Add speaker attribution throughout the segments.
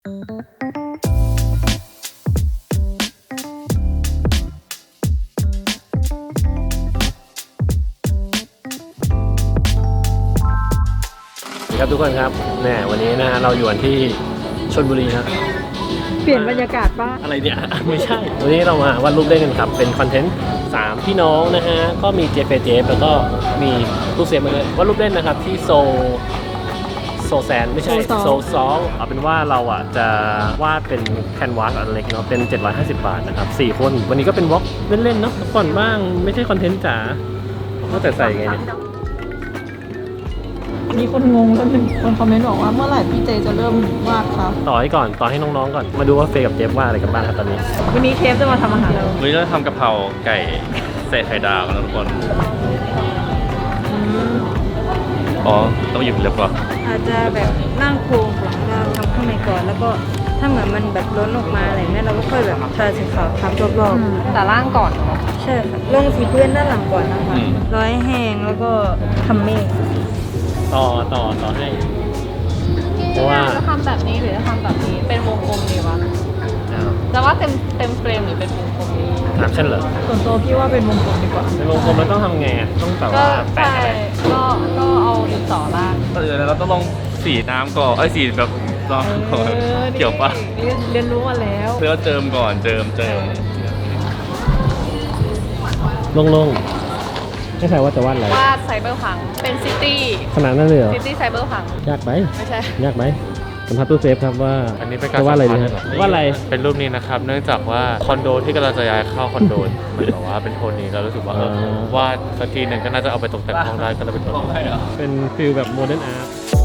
Speaker 1: ครับทุกคนครับแหมวันนี้นะเราอยู่กันที่ชลบุรีครับ
Speaker 2: เปลี่ยนบรรยากาศบ้าง
Speaker 1: อะไรเนี่ย ไม่ใช่วันนี้เรามาวาดรูปเล่นกันครับเป็นคอนเทนต์3พี่น้องนะฮะก็มีเจฟแล้วก็มีลูกเซฟมาเลยวาดรูปเล่นนะครับที่โซแซนไม่ใช่โซซองเอาเป็นว่าเราอ่ะจะวาดเป็นแคนวาสอันเล็กเนาะเป็น750 บาทนะครับ4คนวันนี้ก็เป็นวอล์กเล่นๆเนาะก่อนบ้างไม่ใช่คอนเทนต์จ๋าก็แต่ใส่ไงเนี่ย
Speaker 2: มีคนงงจนถึงคนคอมเมนต์บอกว่าเมื่อไหร่พี่เจจะเริ่มวาดครับ
Speaker 1: ต่อให้ก่อนต่อให้น้องๆก่อนมาดูว่าเฟย์กับเจฟวาดอะไรกันบ้างครับตอนนี้
Speaker 2: วันนี้เชฟจะมาทำอาหารเรา
Speaker 3: วันนี้เราทำกะเพราไก่ใส่ไข่ดาวกันทุกคนอ๋อต้องหยิบเล็บก่อน
Speaker 4: อาจจะแบบนั่งโครงหลังเราทำข้างในก่อนแล้วก็ถ้าเหมือนมันแบบล้นออกมาอะไรเนี่ยเราก็ค่อยแบบทาสีขาวทับรอบๆ
Speaker 2: แต่ล่างก่อน
Speaker 4: ใช่ค่ะลงสีพื้นด้านหลังก่อนนะคะร้อยแห้งแล้วก็ทำเมฆ
Speaker 1: ต่อให้เพราะว่า
Speaker 2: จะทำแบบนี้หรือจะทำแบบนี้เป็นวงกลมดีวะแต่ว่าเต็มเฟรมหรือเป็นวงกลมดี
Speaker 1: ถามฉันเหรอ
Speaker 2: ส่วนตัวพี่ว่าเป็นวงกลมดีกว่า
Speaker 1: เป็นวงกลมแล้วต้องทำไงอ่ะต้องแบบว่าแปะอะไร
Speaker 2: ก็เอาดินสอล่าง
Speaker 3: เราต้องลงสีน้ำก่อนสีแบบลองก่อนเกี่ยวปะ
Speaker 2: เรียนรู้มาแล้ว
Speaker 3: เพื่อเจิมก่อนเจิม
Speaker 1: ลงไม่ใช่ว่าจะวาดอะไร
Speaker 2: วาดไซเบอร์พังเป็นซิตี้
Speaker 1: ขนาดนั้นเลยเหรอ
Speaker 2: ซิตี้ไซเบอร์พัง
Speaker 1: ยากไหม
Speaker 2: ไม่ใช่
Speaker 1: ยากไหมสัมภาษณ์ตู้เซฟครับว่า
Speaker 3: อันนี้เป็นการ
Speaker 1: วาดอะไรดีวาดอะไร
Speaker 3: เป็นรูปนี้นะครับเนื่องจากว่าคอนโดที่กำลังจะย้ายเข้าคอนโดมันบอกว่าเป็นโทนนี้เรารู้สึกว่าวาดสักทีหนึ่งก็น่าจะเอาไปตกแต่งห้องได้ก็เลยเป็นโทนนี้
Speaker 1: เป็นฟิลแบบโมเดิร์นอาร์ต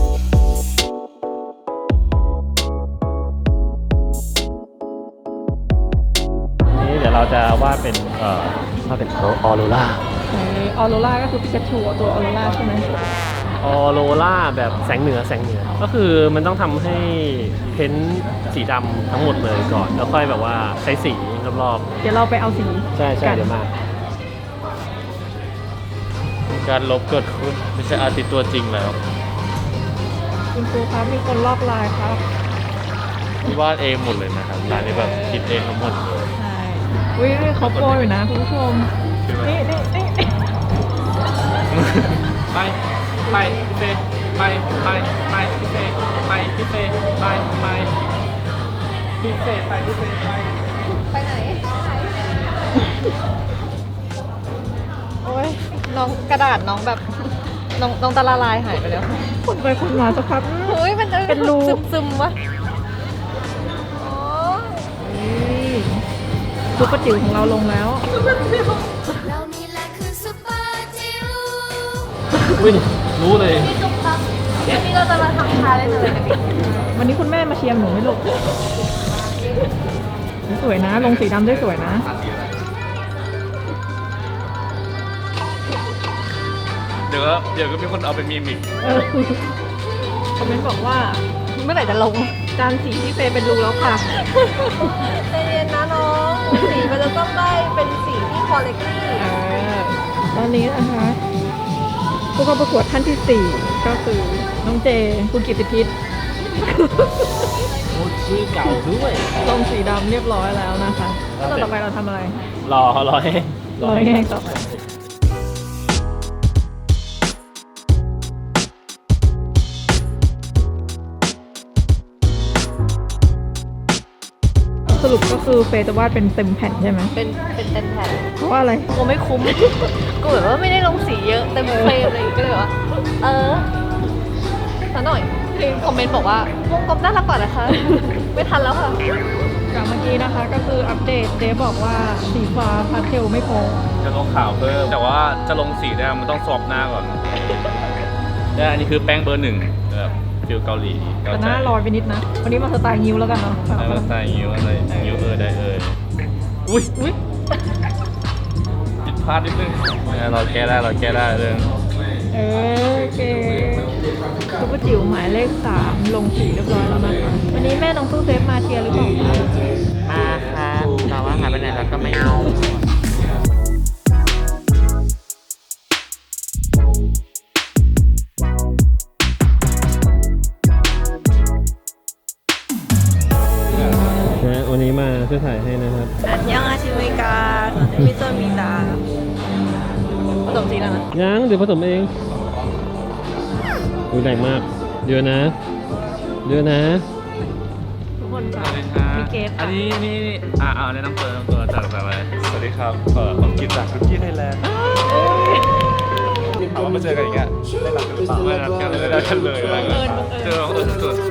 Speaker 1: นี่เดี๋ยวเราจะวาดเป็นออโรรา
Speaker 2: ออโรราก็คือปิกาจูตัวออโรราใช่ไหม
Speaker 1: ออโรราแบบแสงเหนือก็คือมันต้องทำให้เพ้นสีดำทั้งหมดเลยก่อนแล้วค่อยแบบว่าใช้สีรอบ
Speaker 2: ๆเดี๋ยวเราไปเอาสี
Speaker 1: ใช่เดี๋ยวมา
Speaker 3: การลบเกิดขึ้นไม่ใช่อาร์ติสต์ตัวจริงแล้ว
Speaker 2: คุณครูครับมีคนลอกลายครับ
Speaker 3: วาดเองหมดเลยนะครับลายนี้แบบคิดเองทั้งหมดเลย
Speaker 2: ใช่อุ้ยเขาโปรอยู่นะคุณผู้ชมนี่
Speaker 3: ไปพี่เฟไปพี่เฟไปพี่เฟไปพี่เฟ
Speaker 2: ไปไหนโอ้ยน้องกระดาษน้องแบบน้องตาละลายหายไปแล้วคนไปคนมาสักพักเฮ้ยมันเป็นรูซึมวะซุปเปอร์จิ๋วของเราลงแล้ว
Speaker 1: รู้เลย
Speaker 2: วันนี้เราจะมาทำชาเลยวันนี้คุณแม่มาเชียร์หนูไม่ลูกสวยนะลงสีดำได้สวยนะ
Speaker 3: เดี๋ยวก็มีคนเอาไปมีมิก
Speaker 2: คอมเมนต์บอกว่าเมื่อไหร่จะลงจานสีที่เฟย์เป็นรูแล้วค่ะใจเย็นนะน้องสีมันจะต้องได้เป็นสีที่ควอลิตี้ตอนนี้นะคะผู้เข้าประกวดท่านที่4ก็คือน้องเจคุณกิตติพิษ
Speaker 1: ชื่อเก่าด้วย
Speaker 2: ลงสีดำเรียบร้อยแล้วนะคะแล้วต่อไปเราทำอะไร
Speaker 1: รอให้
Speaker 2: ต่อไปสรุปก็คือเฟย์จะวาดเป็นเต็มแผ่นใช่ไหมเป็นเต็มแผ่นเพราะว่าอะไรกูไม่คุ้มกูแบบว่าไม่ได้ลงสีเยอะเต็มเฟรมเลยก็เลยว่าสักหน่อยคือคอมเมนต์บอกว่าวงกลมน่ารักกว่านะคะไม่ทันแล้วค่ะจากเมื่อกี้นะคะก็คืออัปเดตเดฟบอกว่าสีฟ้าพาสเทลไม่พอ
Speaker 3: จะลงขาวเพิ่มแต่ว่าจะลงสีได้มันต้องสวอปหน้าก่อนเนี่ยอันนี้คือแป้งเบอร์ 1แบบฟิลเกาหลี
Speaker 2: แต่หน้าลอยไปนิดนะวันนี้มาสไตล์งิ้วแล้วกันเนาะ
Speaker 3: มาสไตล์งิ้วอะไรงิ้วได้อุ้ยผิดพลาดนิดนึงเราแก้ได้เรื่อง
Speaker 2: โอเคซุปเปอร์จิ๋วหมายเลข3ลงสีเรียบร้อยแล้วนะคะวันนี้แม่น้องตู้เซฟมาเชียร์หรือเปล่า
Speaker 1: มาค่ะแต่ว่าหายไปไหนแล้วก็ไม่รู้วันนี้มาช่วยถ่ายให้นะครับ
Speaker 2: อันยังอาชิเมกามิโตมิตาผสมสีแล้วนะ
Speaker 1: ยังเดี๋ยวผสมเองดูแรงมากเยอะนะเยอะนะ
Speaker 2: ทุกคนค่ะ
Speaker 3: สวัสดีครับ
Speaker 2: มีเกส
Speaker 3: อันนี้แนะนำตัวจากอะไรสวัสดีครับผมกินจากคุกกี้ไทยแลนด์ถามว่ามาเจอกันอีกอ่ะไม่รักกันไม่รักกันเลยเจอสุด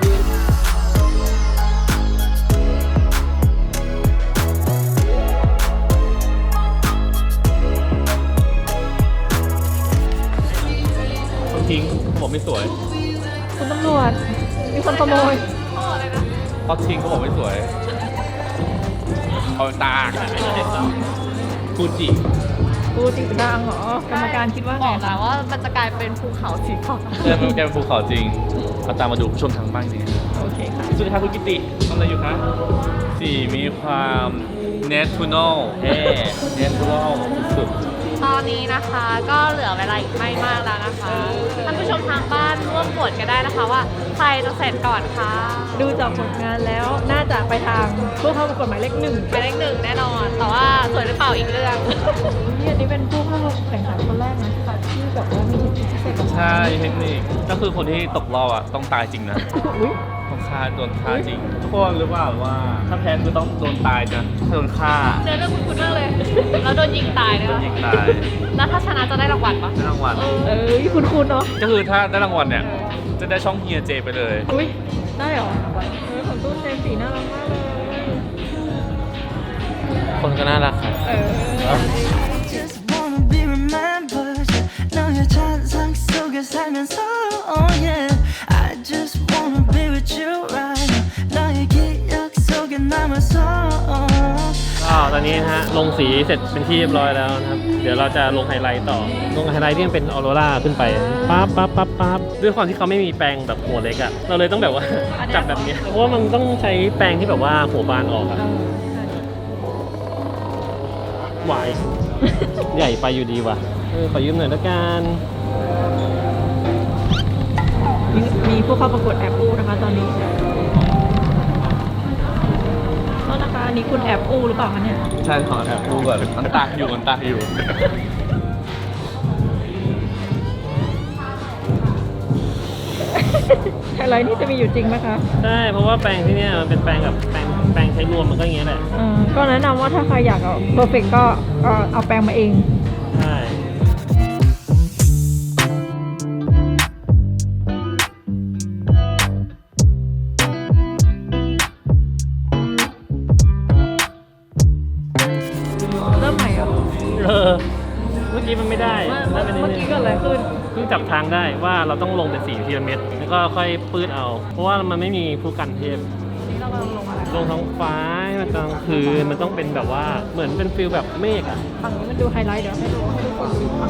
Speaker 3: จริงผมไม่สวย
Speaker 2: คุณตำรวจมีคนขโมย
Speaker 3: เพราะทิ้งเขาบอกไม่สวย เอาตาฟูจิ
Speaker 2: กูจริงดังเหรอกรรมการคิดว่าไงบอกแล้วว่ามันจะกลายเป็นภูเขาสีขาว
Speaker 3: แกเป็นภูเขาจริงเอาตามมาดูผู้ชมทางบ้านสิ
Speaker 2: โอเคค่ะ
Speaker 3: สวัสดีครับคุณกิติทำอะไรอยู่ครับ4มีความ natural natural สุด
Speaker 5: ตอนนี้นะคะก็เหลือเวลาอีกไม่มากแล้วนะคะท่านผู้ชมทางบ้านร่วมโหวตกันได้นะคะว่าใครจะเสร็จก่อนคะ
Speaker 2: ดูจากผลงานแล้วน่าจะไปทางผู้เข้าประกวดหมายเลขหนึ่ง
Speaker 5: หมายเลขหนึ่งแน่นอน แต่ว่าสวยหรือเปล่าอีกเรื่อง
Speaker 2: นี่อันนี้เป็นผู้เข้าแข่งขันคนแรกนะที่แบบว่ามีเทคนิคพิเศษกับ
Speaker 3: ใช่เทคนิคก็คือคนที่ตกรอบอ่ะต้องตายจริงนะ
Speaker 2: อุ้ย
Speaker 3: ต้องฆ่าโดนฆ่าจริง ทุกคนรู้เปล่าว่าถ้าแพ้คือต้องโดนตายนะถ้าโดนฆ่า
Speaker 5: เนื้อเรื่องคุ้นๆมากเลยแล้วโดนยิงตายเลย
Speaker 3: โดน
Speaker 5: วะ
Speaker 3: ยิงตาย
Speaker 5: แล้วถ้าชนะจะได้รางวัลปะ
Speaker 3: ได้รางวัล
Speaker 2: เอ้ยคุณเนาะ
Speaker 3: ก็คือถ้าได้รางวัลเนี่ยจะได้ช่องเฮียเจไปเลย
Speaker 2: อุ้ยได้เหรอของตู้เซฟสีน่ารักมากเลย
Speaker 3: คนก็น่ารักครับ
Speaker 6: Just wanna be remembered. 너의 찬상 속에 살면서, oh yeah. I just wanna be with you right now. 너의 기억 속에 남아서.
Speaker 1: ก็ตอนนี้นะฮะลงสีเสร็จเป็นที่เรียบร้อยแล้วนะครับเดี๋ยวเราจะลงไฮไลท์ต่อลงไฮไลท์ที่มันเป็นออโรราขึ้นไปปั๊บด้วยความที่เขาไม่มีแปรงแบบหัวเล็กอะเราเลยต้องแบบว่า จับแบบเนี้ยเพราะว่ามันต้องใช้แปรงที่แบบว่าหัวบานออกอะไหว ใหญ่ไปอยู่ดีว่ะขอยืมหน่อยละกัน
Speaker 2: มีผู้เข้าประกวดแอบอู้นะคะตอนนี้แล้วนะคะอันนี้คุณแอบอู้หรือเปล่าคะเนี่ย
Speaker 3: ใช่ขอแอบดูก่อนมันตากอยู่
Speaker 2: ไฮไลท์นี่จะมีอยู่จริงไหมคะ
Speaker 1: ใช่เพราะว่าแปรงที่เนี่ยมันเป็นแปรงแบบแปรงใช้รวมมันก็อย่างเงี้ยแหละ
Speaker 2: ก็แนะนำว่าถ้าใครอยากเอาเพอร์เฟกก็เอาแปรงมาเอง
Speaker 1: ใช่
Speaker 2: เริ่มใหม่เหรอ
Speaker 1: เมื่อกี้มันไม่ได้ได้ไปนิด
Speaker 2: เมื่อ
Speaker 1: นึง
Speaker 2: กี้เกิดอะไรขึ้น
Speaker 1: เพิ่งจับทางได้ว่าเราต้องลงเป็นสีพีระมิดแล้วก็ค่อยปื้ดเอา เพราะว่ามันไม่มีผู้กันเทพ
Speaker 2: นี่เรากำลังลงอะไร
Speaker 1: ลงท้องฟ้าให้มันกลางคืนมันต้องเป็นแบบว่าเหมือนเป็นฟิลแบบเมฆอะ
Speaker 2: ฝั่งนี้มันดูไฮไลท์เดี๋ยวให้ดูให้ทุกคนดูฝั่ง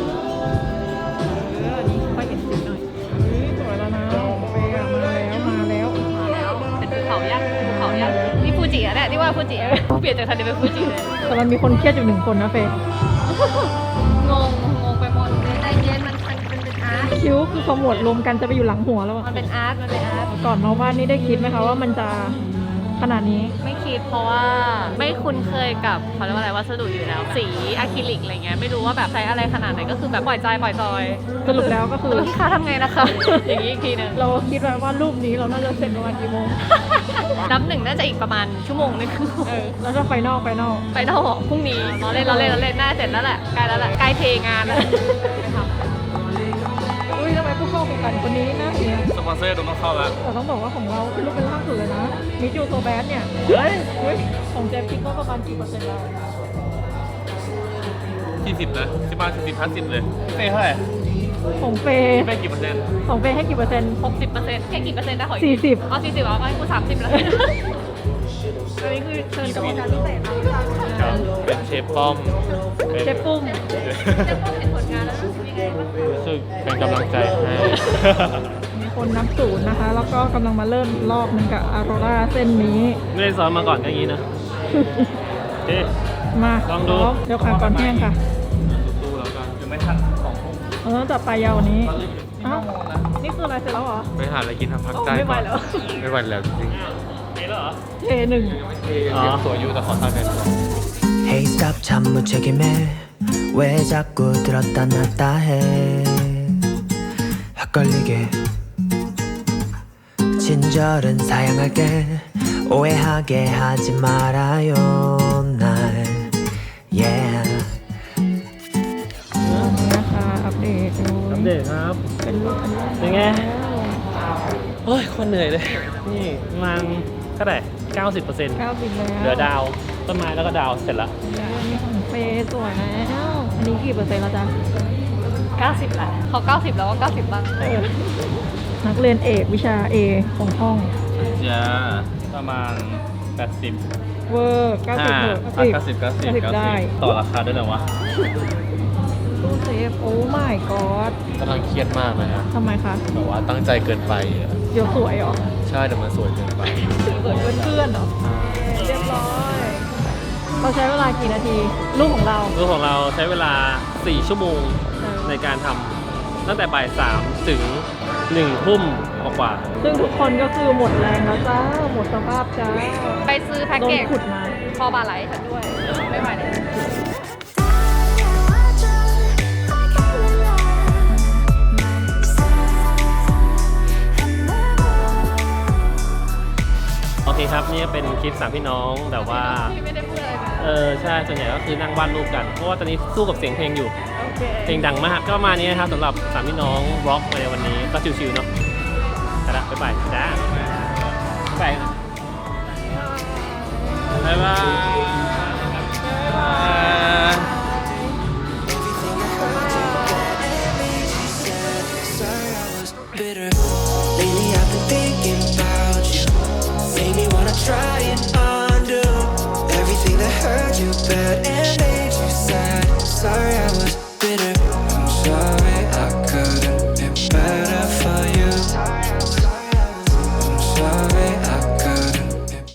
Speaker 2: อันนี้ค่อยเห็นสีหน่อยสวยแล้วนะไปอะมาแล้ว
Speaker 5: เป็นภูเขายักษ์นี่ฟูจิอะเนี่ยที่ว่าฟูจิอะเปลี่ยนจากทันเดเป็นฟูจิเลย
Speaker 2: แต่มันมีคนเครียดอยู่หนึ่งคนนะเฟย์
Speaker 5: งงไปหมดใจเย็นมันเป็นอาร์ต
Speaker 2: คิ้วคือขมวดรวมกันจะไปอยู่หลังหัวแล้วอะ
Speaker 5: มันเป็นอาร์ต
Speaker 2: ก่อนมาวาดนี่ได้คิดไหมคะว่ามันจะขนาดนี้
Speaker 5: ไม่คิดเพราะว่าไม่คุ้นเคยกับเขาเรียกว่าอะไรวัสดุอยู่แล้ว สีอะคริลิกอะไรเงี้ยไม่รู้ว่าแบบใช้อะไรขนาดไหนก็คือแบบปล่อยใจปล่อยจอย
Speaker 2: สรุปแล้วก็คือ
Speaker 5: แล้วพี่คะทำไงนะคะ อย่างนี้อีกทีหนึง
Speaker 2: เราคิดไว้ว่ารูปนี้เราน่าจะเสร็จประมาณกี่โมง
Speaker 5: นับหนึ่งน่าจะอีกประมาณชั่วโมงนึง
Speaker 2: แล้วก็ไฟนอล
Speaker 5: ไปเท่าพรุ่งนี้เราเล่นน่าเสร็จแล้วแหละใกล้แล้วแหละใกล้เทงานแล้ว
Speaker 2: อุ้ยทำไมผู้เข้าแข่งขันคนนี้นะ
Speaker 3: สปอนเซอร์ต้องเข้าแล้ว
Speaker 2: แต่ต้องบอกว่าของเราเป็นรูปเป็นล่าสุดเลยนะมิจูโซแบสเนี่ยของเจฟคิดว่าประมาณกี่เปอร์เซ็นต์แล้ว
Speaker 3: 40นะที่บ้าน40-50เลยเฟ่เท่าไหร่
Speaker 2: ของเฟย์
Speaker 3: เฟ่กี่เปอร์เซ็นต์
Speaker 2: ของเฟย์ให้กี่เปอร์เซ็นต์
Speaker 5: 60%แค่กี่เปอร์เซ็นต์ได้ขออีก
Speaker 2: 40
Speaker 5: อ๋อ40อ๋อให้กู30แล้ว
Speaker 2: อันนี้คือเชิญกรรมการพิเศษ
Speaker 3: ครับเป็นเชฟป้อมเป็น
Speaker 2: เชฟปุ้ม
Speaker 5: จะพอเห็นผลงานแล้วรู้สึกยังไงบ้าง
Speaker 3: รู้สึกเป็นกำลังใจให้
Speaker 2: มีคนนับศูนย์นะคะ แล้วก็กำลังมาเริ่มรอบนึงกับออโรราเส้นนี้
Speaker 1: ไม่ได้ซ้อมมาก่อนก็อย่างนี้นะเอ๊ะ
Speaker 2: มา
Speaker 1: ลองดู
Speaker 2: เดี๋ยวขาก่อนแห้งค่ะ
Speaker 3: สู้แล้วกันยังไม่ทัน2 ทุ่ม
Speaker 2: เราต้องจับปลายยาวกวันนี้ อ้าว นี่คืออะไรเสร็จแล้วเหรอ
Speaker 3: ไปหาอะไรกินทำพักใจ
Speaker 2: ไม่ไหวแล้ว
Speaker 3: ไม่ไหวแล้วจริง
Speaker 1: เจ๊แล้วเหรอ
Speaker 2: J1
Speaker 3: ยังสวยอยู่แต่ขอทางหน่อย
Speaker 6: Hey stop 참 무책임해 왜 자꾸 들었다 놨다 해 헷갈리게 친절은 사양할게 오해하게 하지 말아요 날 yeah
Speaker 2: นะคะอัปเดตดู
Speaker 1: อัปเดตครับ
Speaker 2: เป็นรูปอันนี้
Speaker 1: เป็นไงโอ้ยคนเหนื่อยเลย นี่มันเท่าไหร่ 90%
Speaker 2: 90แล้ว
Speaker 1: เหลือดาว ต้นไม้แล้วก็ดาวเสร็จแล้ว
Speaker 2: มีของเฟย์สวยแล้ว อันนี้กี่เปอร์เซ็นต์แล้วจ๊ะ
Speaker 5: 90ละเขา90 แล้วก็90บ้าง
Speaker 2: นักเรียนเอกวิชา A ของห้อง
Speaker 3: จะประมาณ 80
Speaker 2: เวอร์90เถอะ 90ได้
Speaker 3: ต่อราคาด้วยเหรอวะ
Speaker 2: ตู้เซฟโอ้ my god
Speaker 3: กำลังเครียดมากเลยฮะ
Speaker 2: ทำไมคะ
Speaker 3: แบบว่าตั้งใจเกินไปอะ
Speaker 2: เดี๋ยวสวยเหรอ
Speaker 3: ใช่แต่มันสวยเกินไป
Speaker 2: เกิดเพื่อนๆเหรอ เรียบร้อย เราใช้เวลากี่นาที ลูกของเรา
Speaker 1: รูปของเราใช้เวลา 4 ชั่วโมงในการทำตั้งแต่บ่าย 3 ถึง 1 ทุ่มกว่า
Speaker 2: ซึ่งทุกคนก็คือหมดแรงแล้วจ้า หมดสภาพจ้า
Speaker 5: ไปซื้อแพ็ก
Speaker 2: โด
Speaker 5: เก
Speaker 2: น
Speaker 5: จ
Speaker 2: ขุดมา
Speaker 5: คอบาไหลฉันด้วย ไม่ไหวเลย
Speaker 1: โอเคครับ นี่เป็นคลิป 3 พี่น้องแต่ว่า
Speaker 5: พี่ไม่ได้พูดอะไรเลย
Speaker 1: ใช่ ส่วนใหญ่ก็คือนั่งวาดรูปกัน เพราะว่าตอนนี้สู้กับเสียงเพลงอยู่
Speaker 2: โอเค
Speaker 1: เพลงดังมาก ก็ประมาณนี้นะครับสำหรับ 3 พี่น้องร็อกในวันนี้ก็ชิวๆเนาะไปละบ๊ายบายจ้าบ๊ายบาย